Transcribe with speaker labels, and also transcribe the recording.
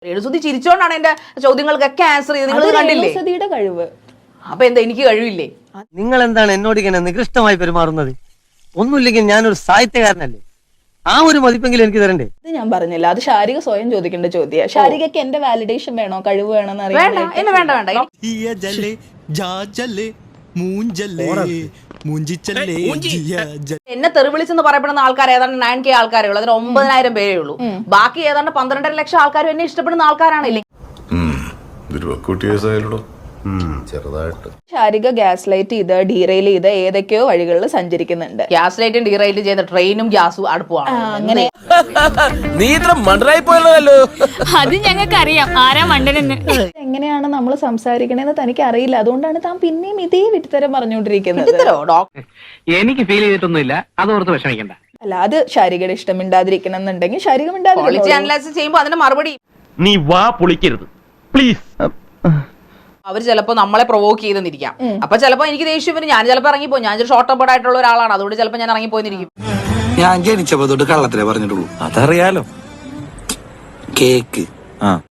Speaker 1: രേണുസുതി ചിരിച്ചോണ്ടാണ് എന്റെ ചോദ്യങ്ങൾക്കൊക്കെ ആൻസർ ചെയ്ത് നിങ്ങൾ കണ്ടില്ലേ?
Speaker 2: രേണുസുതിയുടെ കഴിവ്.
Speaker 1: അപ്പൊ എന്താ എനിക്ക് കഴിവില്ലേ?
Speaker 3: നിങ്ങൾ എന്താണ് എന്നോട് ഇങ്ങനെ നികൃഷ്ടമായി പെരുമാറുന്നത്? ഒന്നുമില്ലെങ്കിൽ ഞാനൊരു സാഹിത്യകാരനല്ലേ, ആ ഒരു മതിപ്പെങ്കിലും എനിക്ക് തരണ്ടേ?
Speaker 2: ഇത് ഞാൻ പറഞ്ഞില്ല, അത് ശാരിക സ്വയം ചോദിക്കേണ്ട ചോദ്യം. ശാരികക്ക് എന്റെ വാലിഡേഷൻ വേണോ, കഴിവ് വേണമെന്ന് അറിയാൻ?
Speaker 1: വേണ്ട വേണ്ട വേണ്ട. എന്നെ തെറിവിളിച്ചെന്ന് പറയപ്പെടുന്ന ആൾക്കാർ ഏതാണ്ട് 9K ആൾക്കാരേ ഉള്ളൂ. അതിന് 9,000 പേരേ ഉള്ളൂ. ബാക്കി ഏതാണ്ട് 12.5 ലക്ഷം ആൾക്കാരും എന്നെ ഇഷ്ടപ്പെടുന്ന ആൾക്കാരാണില്ലേ.
Speaker 4: ചെറുതായിട്ട്
Speaker 2: ശാരിക ഗ്യാസ് ലൈറ്റ് ചെയ്ത് ഡീറെയിൽ ചെയ്ത് ഏതൊക്കെയോ വഴികളിൽ സഞ്ചരിക്കുന്നുണ്ട്.
Speaker 1: ഗ്യാസ് ലൈറ്റും ഡീറൈറ്റ് ചെയ്ത ട്രെയിനും ഗ്യാസും അടുപ്പുമാണ്.
Speaker 2: അങ്ങനെ
Speaker 5: നീ ഇത്ര മണ്ടറായി പോയല്ലോ.
Speaker 6: അത് ഞങ്ങൾക്ക് അറിയാം ആരാ മണ്ടനെന്ന്.
Speaker 2: എങ്ങനെയാണ് നമ്മൾ സംസാരിക്കണേന്ന് തനിക്ക് അറിയില്ല. അതുകൊണ്ടാണ് താൻ പിന്നെയും ഇതേ വിട്ടുതരം പറഞ്ഞുകൊണ്ടിരിക്കുന്നത്.
Speaker 3: എനിക്ക് ഫീൽ ചെയ്തിട്ടൊന്നുമില്ല, അതോർത്ത് വിഷമിക്കണ്ട.
Speaker 2: അല്ല, അത് ശാരികയുടെ ഇഷ്ടം മിണ്ടാതിരിക്കണം എന്നുണ്ടെങ്കിൽ ശാരിക
Speaker 1: ക്വാളിറ്റി അനലൈസ് ചെയ്യുമ്പോൾ അതിന്റെ മറുപടി
Speaker 3: നീ വാ പൊളിക്കരുത് പ്ലീസ്.
Speaker 1: അവർ ചിലപ്പോൾ നമ്മളെ പ്രൊവോക്ക് ചെയ്തെന്നിരിക്കാം. അപ്പൊ ചിലപ്പോൾ എനിക്ക് ദേഷ്യം വരും, ഞാൻ ചിലപ്പോൾ ഇറങ്ങിപ്പോയി. ഞാൻ ഷോർട്ട് ടെമ്പേർഡ് ആയിട്ടുള്ള ഒരാളാണ്, അതുകൊണ്ട് ചിലപ്പോൾ ഞാൻ ഇറങ്ങിപ്പോയിരിക്കും.
Speaker 5: ഞാൻ ജനിച്ചപ്പോ തൊട്ട് കള്ളത്തിലേ പറഞ്ഞിട്ടുള്ളൂ. അതറിയാലോ. കേക്ക്